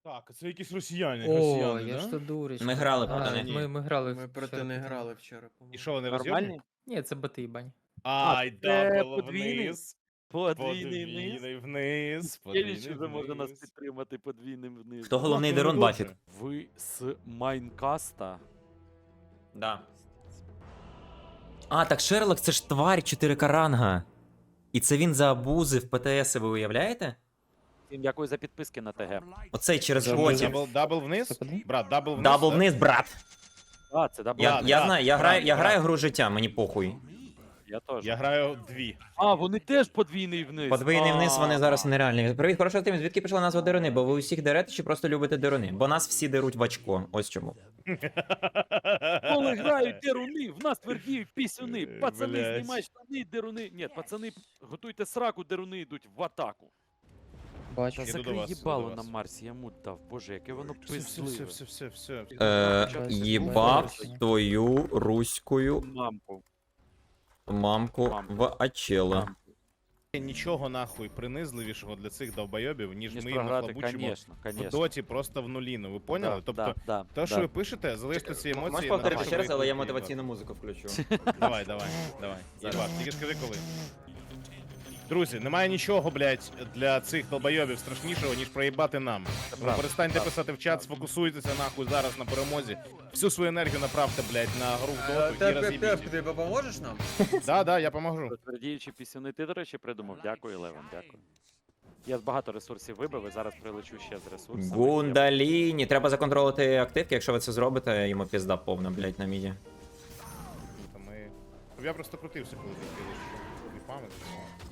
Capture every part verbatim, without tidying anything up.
Так, це якісь росіяни, О, росіяни, я да? ж то дурочка. Ми грали А, проти них. Ми, ми грали. Ми в- проти вчора не проти грали вчора, І по-моєму. що, вони Нормальні? роз'єбні? Ні, це боти їбань. Ай, це дабл подвійний? вниз. Подвійний низ. Подвійний вниз. Єліч Подвійний вже може нас вниз. підтримати подвійним вниз. Хто головний Ну, Дерон дуже. Баффет? Ви з Майнкаста? Да. А, так Шерлок це ж тварь чотири ка ранга. І це він заабузив ПТС, ви уявляєте? Всім дякую за підписки на ТГ. Оцей через Забув. ботів. Дабл, дабл вниз? Це куди? Брат, дабл вниз. Дабл да? вниз, брат. А, це дабл. Я, Да, я да, знаю, я брат, граю, я брат. граю гру життя, мені похуй. Я теж. Я граю дві. А, вони теж подвійний вниз. Подвійний вниз, вони А, зараз нереальні. Привіт, хорошо, Тим, звідки пішла назва деруни? Бо ви усіх дерете чи просто любите деруни? Бо нас всі деруть в очко, ось чому. Коли грають деруни, в нас твердіють пісюни. Е, Пацани, блядь. знімай штани, деруни. Ні, пацани, готуйте сраку, деруни йдуть в атаку. Бачу. Іду до Закрий вас, іду їбало до на вас. Марсі, я мут дав. Боже, яке воно Все, все, пизливе. все, все, все. Е, Бачу. їбав твою руською Мамку. мамку Мамку. в Ачела. Мамку. Нічого нахуй принизливішого для цих довбойобів, ніж Ніж ми їм програти, нахлобучимо конечно, в конечно. доті просто в нуліну. Ви поняли? Да, Тобто, да, да, те, що да. ви пишете, залиште ці емоції. Можеш на повторити те, ще що раз, ви але я тут мотиваційну музику включу. Давай, давай, давай. Єбаш, тільки скажи коли. Друзі, немає нічого, блядь, для цих долбойобів страшнішого, ніж проїбати нам. Тому правда, перестаньте правда. писати в чат, сфокусуйтеся нахуй зараз на перемозі. Всю свою енергію направте, блядь, на гру в доту і роз'їбіть. Ти допоможеш нам? Да, да, я поможу. Твердіючі пісюни, ти, до речі, придумав. Дякую, Леван, дякую. Я багато ресурсів вибив і зараз прилечу ще з ресурсами. Гундаліні. Треба законтролити активки, якщо ви це зробите, йому пізда повна, блядь, на міді. Та ми... Щоб я просто крутився, коли ти кинеш, щоб не пам'ятати.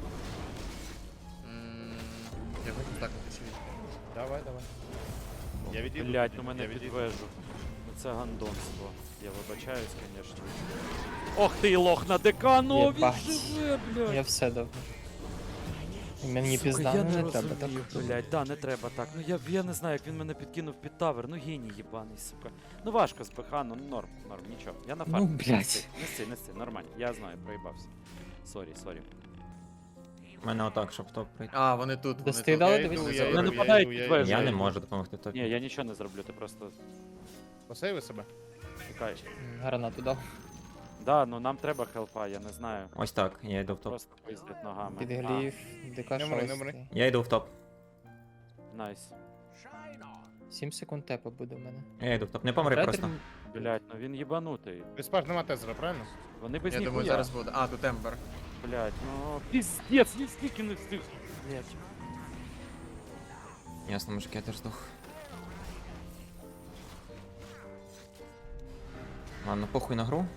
М, Я хочу так напишу. Давай, давай. Я відійду. Блять, тоді, ну мене я відійду. підвежу. Ну це гандонство. Я вибачаюсь, звісно. Ох ти лох на декану, він Єбать. живе, блядь. Я все дав. Мені Сука, пізда я не, не треба, так? розумію, блядь, да, не треба так. Ну я, я не знаю, як він мене підкинув під тавер. Ну геній їбаний, сука. Ну важко з ПХ, ну норм, норм, нічого. Я на Ну, фарм. блядь. Неси, неси, неси, нормально. Я знаю, проїбався. Сорі, сорі. У мене отак, щоб топ прийти. А, вони тут. Десь Вони ти тут. дали, Я дивись, йду, не я забудь. йду, Не я нападають йду, під я вежу. йду. Я не можу допомогти Ні, топі. я нічого не зроблю, ти просто Посейви себе. чекаєш. М, Гранату дав. Да, ну нам треба хелпа, я не знаю. Ось так, я йду в топ. Просто пиздить ногами. Підглів, ДК Не мри, не мри. шостий. Я йду в топ. А, найс. сім секунд тепа буде в мене. Я йду в топ. Не помри Ретер- просто. Блять, ну він їбанутий. Виспаж нема тезера, правильно? Вони без Я ніхуя. думаю, зараз буде. А, тут Ембер. Блять, ну пиздец, ні скільки не встиг. Блять. Ясно, мужик, я теж здох. Ладно, похуй на гру.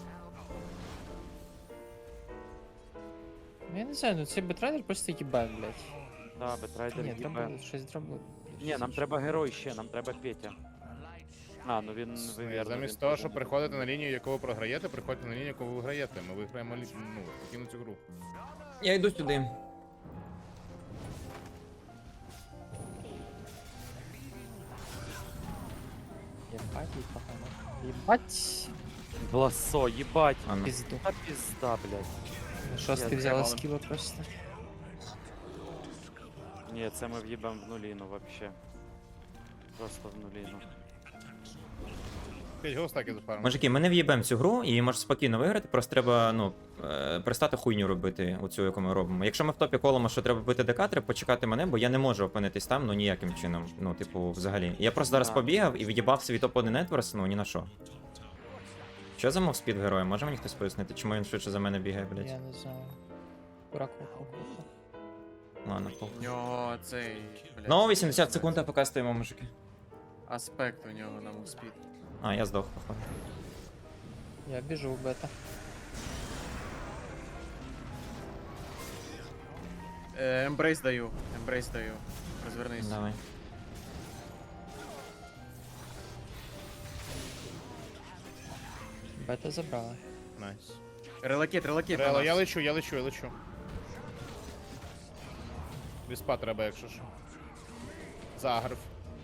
Ну, я не знаю, ну цей бетрайдер просто їбе, блядь. Да, бетрайдер Ні, їбе. треба щось зробити. Ні, нам треба герой ще, нам треба Петя. А, ну він Ні, вивірно. Замість він того, теж щоб не приходити на лінію, яку ви програєте, приходьте на лінію, яку ви виграєте. Ми виграємо лі- ну, спокійно цю гру. Я йду сюди. Єбать, їй погано. Єбать! Бласо, їбать. Ладно. Пізду. Та пізда, блядь. Шостий Я взяла згадав. скіла просто. Ні, це ми в'їбем в нуліну вообще. Просто в нуліну. П'ять голстаки за пару. Мужики, ми не в'їбемо цю гру і можеш спокійно виграти, просто треба, ну, е, перестати хуйню робити, оцю, яку ми робимо. Якщо ми в топі колимо, що треба бити ДК, треба почекати мене, бо я не можу опинитись там, ну ніяким чином. Ну, типу, взагалі. Я просто зараз А. побігав і від'їбав свій топ один Едварс, ну ні на що. Що за мовспід героя? Може мені хтось пояснити, чому він швидше за мене бігає, блядь? Я не знаю. Курак курак. Ладно, похуй. У нього цей. блядь, Ну, вісімдесят секунд, а поки стоїмо, мужики. Аспект у нього на мувспід. А, я здох, походу. Я біжу в бета. Е, Ембрейс даю. Ембрейс даю. Розвернись. Давай. Бета забрала. Найс. Релакет, релакет. Рело, на я нас. лечу, я лечу, я лечу. Віспа треба, якщо що. Загрив.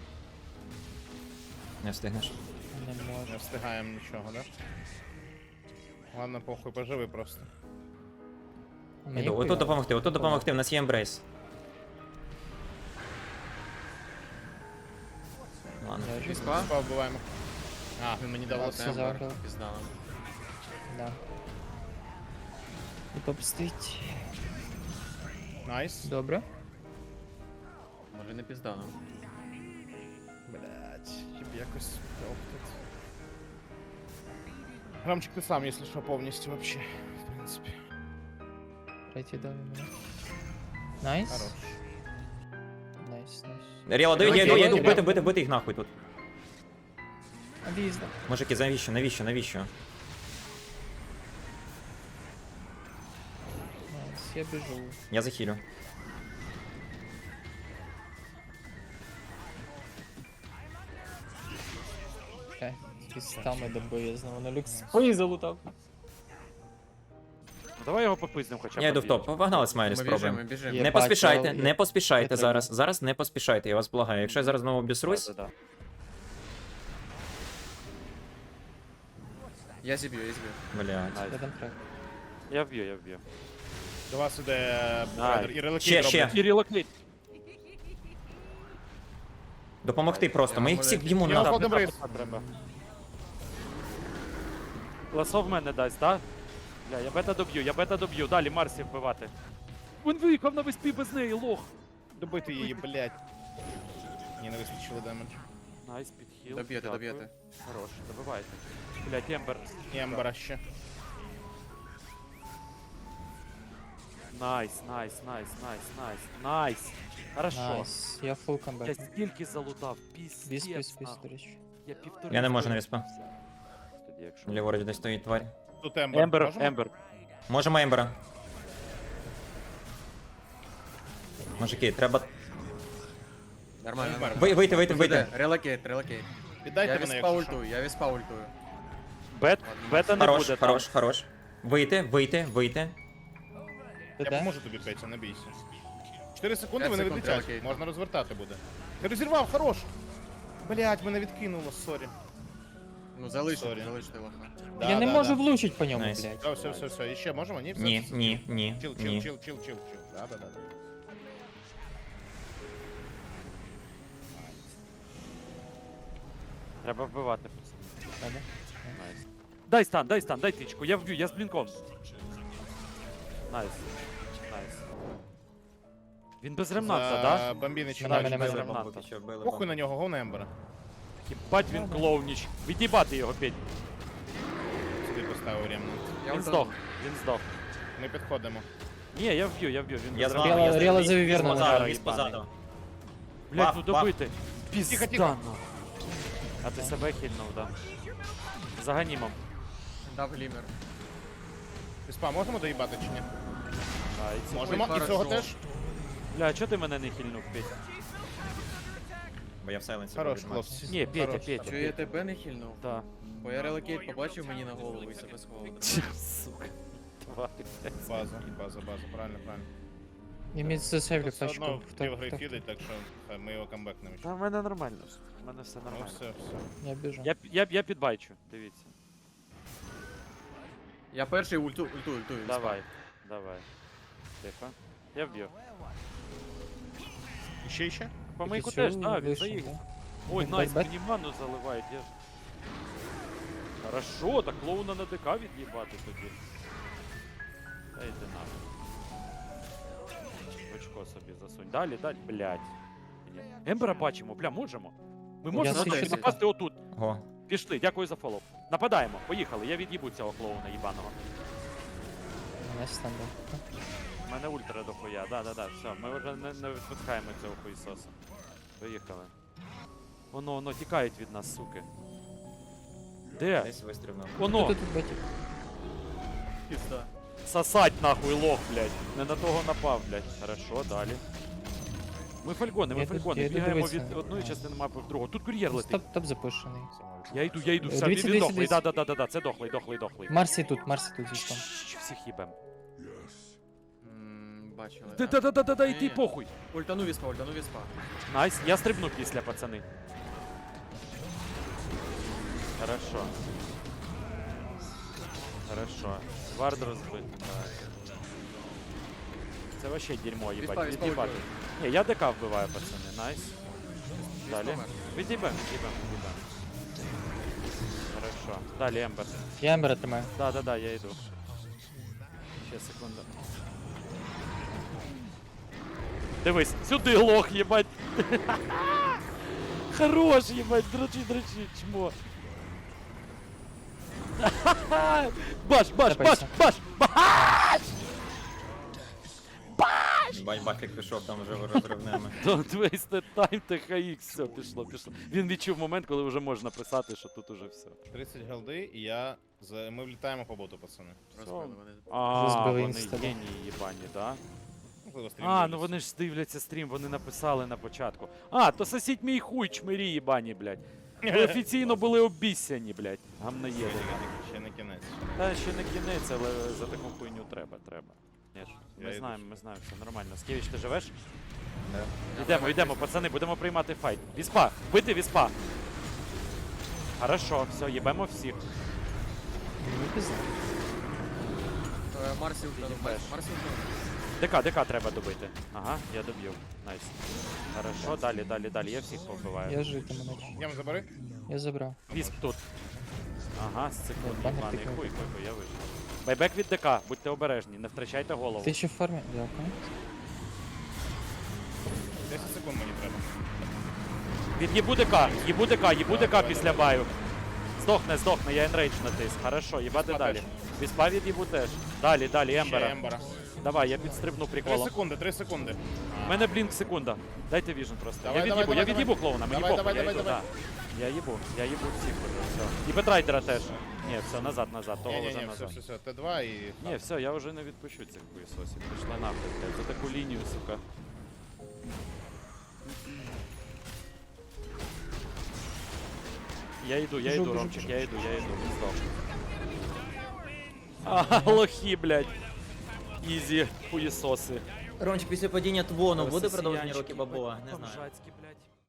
Не встигнеш. Не Не можу. встигаємо нічого, да? Ладно, похуй, поживи просто. Мені Іду, отут хуйово. допомогти, отут допомогти, в нас є ембрейс. Даже. Віспа? Спа вбиваємо. А, він мені дав От все лосе. Ембер. забрали. Пізда нам. Да. І топ стоїть. Найс. Добре. Може не пізда нам. Блять, щоб якось оптить. Грамчик ти сам, якщо що, повністю вообще. В принципі. Третій дав йому. Найс. Хорош. Найс, найс. Ріала, даю, я йду, я йду, Окей, бити, бити, бити їх нахуй тут. Об'їзда. Мужики, навіщо, навіщо, навіщо? Найс, я біжу. Я захилю. Окей. Пістами добиє знову на люкс. Ой, залутав. Ну, давай його попизнем хоча б. Я йду в топ. Погнали, Смайлі, Ми спробуємо. біжимо, біжимо. Є. Не бачу, поспішайте, але- не поспішайте Я зараз. треба. Зараз не поспішайте, я вас благаю. Якщо я зараз знову обісрусь, Да-да-да. Я зіб'ю, я зіб'ю. блядь. Найс. Я дам трек. Я вб'ю, я вб'ю. До вас іде Найс. Брайдер і релокейт Ще, ще. роблять. І релокейт. Допомогти просто. Ми їх всіх б'ємо Я на. виходив Метапа рейс. треба. Ласо в мене дасть, так? Бля, я бета доб'ю, я бета доб'ю. Далі Марсі вбивати. Він виїхав на виспі без неї, лох. Добити її, блять. Ні, не вистачило демедж. Найс, підхіл. Доб'єте, дякую. доб'єте. Хорош, добивайте. Блять, Ембер. І Ембера ще. Найс, найс, найс, найс, найс, найс. Хорошо. Найс. Я фул Я камбек. стільки залутав, піс, Біс, біс, біс, до речі. Я півтори. Я не можу на хвилини. віспа. Тоді, якщо... Ліворуч десь стоїть тварь. Тут Ембер. Ембер, Можемо? Ембер. Можемо Ембера. Мужики, треба. Нормально, Ембер. нормально. Ви- Вийти, вийти, вийти. Релокейт, релокейт. Віддайте Я мене, віспа якщо що. ультую, я віспа ультую. Бет, бета не Хорош, буде там. хорош, хорош. Вийти, вийти, вийти. Я ТТ? поможу тобі, Петя, не бійся. чотири секунди п'ять мене секунд, відлетять. окей. Можна розвертати буде. Ти розірвав, хорош. Блять, мене відкинуло, сорі. Ну залиште, Сорі. залиште лоха. Да, Я не да, можу да. влучити по ньому, Найс. блядь. Все, все, все, все. І ще можемо? Ні, все. Ні, все, все. ні, ні, Чил, чил, ні. чил, чил, чил, чил. Да, да, да. да. Треба вбивати. Треба. Найс. Дай стан, дай стан, дай тичку, я вб'ю, я з блінком. Найс. Найс. Він без ремнанта, да? За бомбіни чи Мене, далі. мене, мене. Били. Ремнанта. Поки що вбили Похуй бомбу. на нього, гов на Ембера. Хібать він клоуніч. Від'їбати його, Петь. Сюди поставив ремнант. Я Він ультану. здох, він здох. Ми підходимо. Ні, я вб'ю, я вб'ю, він Я без з вами, Ріала- я з Ріала вами. завівернула. Віз позаду, Ріала віз позаду. Блять, Баф, ну баф. добити. Тихо, Пізда, тихо. нахуй. А ти себе хильнув, да? За ганімом. Дав глімер. Віспа, можемо доїбати чи ні? А, і ці- Можемо. І хорошо. цього теж. Бля, чого ти мене не хильнув, Петь? Бо я в сайленсі. Хорош, буду, хлопці. Ні, Петя, Хорош. Петя. Чого я тебе не хильнув? Да. Бо я релокейт побачив мені на голову і себе сховав. Сука. Тварь, блядь. База, база, база, правильно, правильно. Я міг засейвлю Все пачку. одно Хто, пів гри хто? фідить, так що хай ми його камбекнемо. ще. Та в мене нормально. В мене все Ну нормально. все, все. Я біжу. Я, я, я підбайчу, дивіться. Я перший ульту, ульту, ультую. віспа. Давай, давай. Тихо. Я вб'ю. І ще, і ще? По мейку Цю теж, да, він вийшов, заїхав. да. Ой, Бет- найс, бет- мені ману заливають. Я... Хорошо, так клоуна на ДК від'їбати тоді. Та йди нахуй. В очко собі засунь. Далі, далі, блядь. Ні. Ембера бачимо, бля, можемо. Ми можемо свічу напасти, тільки. напасти отут. Го. Пішли, дякую за фоллоу. Нападаємо, поїхали, я від'їбу цього клоуна їбаного. Мене стендап. У мене ультра дохуя, да-да-да, все, ми вже не, не відпускаємо цього хуїсоса. Поїхали. Воно, воно тікають від нас, суки. Де? Десь вистрибнув. Воно! Тут тут бетік. Пізда. Сосать нахуй лох, блядь. Не на того напав, блядь. Хорошо, далі. Ми фальгони, ми Я тут- фальгони. я йду Бігаємо дивитися. від одної частини мапи в другу. Тут кур'єр летить. Топ, топ запущений. Я йду, я йду, Е, все, дивіться, він дивіться, дохлий, дивіться. да-да-да-да, це дохлий, дохлий, дохлий. Марсі тут, Марсі тут зі спам. Щ, всіх їбем. М, Бачили. да? Да-да-да-да-да, йди Ні. похуй. Ультану віспа, ультану віспа. Найс, я стрибну після, пацани. Хорошо. Хорошо. Вард розбитий, так. Це вообще дерьмо, їбать, Віспа, віспа від'їбати. ультує. Ні, я ДК вбиваю, пацани, найс. далі. помер. Відійбем, відійбем, відійбем. Хорошо. Далі Ембер. Я Ембера тримаю. Да, да, да, я йду. Ще секунду. Дивись, сюди лох, їбать. Хорош, їбать, дрочи, дрочи, чмо. Баш, баш, баш, Тепайся. баш, баш! Бать, бафік пішов там вже розривними. Don't waste the time, Т Х Х, все, пішло, пішло. Він відчув момент, коли вже можна писати, що тут уже все. тридцять голди, і я... за- Ми влітаємо по боту, пацани. Розбили вони. А, Розбили вони інста, да. генії їбані, да? Можливо, стрім А, ну дивляться. вони ж дивляться стрім, вони написали на початку. А, то сосіть мій хуй, чмирі їбані, блядь. Ви офіційно були обіссяні, блядь. Гамнаєди. Ще не- Ще не кінець. Та ще не кінець, але за таку хуйню треба, треба. Ні ж, Я ми йду. знаємо, ми знаємо, все нормально. Скевіч, ти живеш? Да. Йдемо, йдемо, пацани, будемо приймати файт. Віспа, бити віспа. Хорошо, все, їбемо всіх. Ну, пізно. Е, Марсі ультра. Їбеш. Марсі ультра. ДК, ДК треба добити. Ага, я доб'ю. Найс. Хорошо, далі, далі, далі. Я всіх повбиваю. Я житиму наче. Ям забери. Я забрав. Вісп тут. Ага, з секунд, Банер єбаний тикнув. хуй, хуй, хуй, я вижив. Байбек від ДК, будьте обережні, не втрачайте голову. Ти ще в формі? Дякую. десять секунд мені треба. Від їбу ДК, їбу ДК, їбу Давай, ДК давай, після баю. Здохне, здохне, я енрейдж натис. Хорошо, їбати Віспа далі. теж. Віспа від їбу теж. Далі, далі, Ще Ембера. Ембера. Давай, я підстрибну Три приколом. секунди, три секунди. У мене блінк секунда. Дайте віжен просто. Давай, я давай, від'їбу, давай, я від'їбу давай. клоуна, мені Давай, похуй, давай, я давай, йду, давай. да. Я їбу, я їбу всіх уже, все. І Бетрайдера теж. Ні, все, назад, назад, того вже Ні-ні-ні, все, назад. все, все, Т два і... Ні, все, я вже не відпущу цих хуєсосів. Пішли нахуй, блядь, за таку лінію, сука. Я йду, я Біжу, йду, біжу, Ромчик, біжу. я йду, я йду, він здох. А, лохи, блядь. Ізі, хуєсоси. Ромчик, після падіння Твону буде Росіянчики, продовження роки їбать, Бабова? Не знаю. бомжацькі, блядь.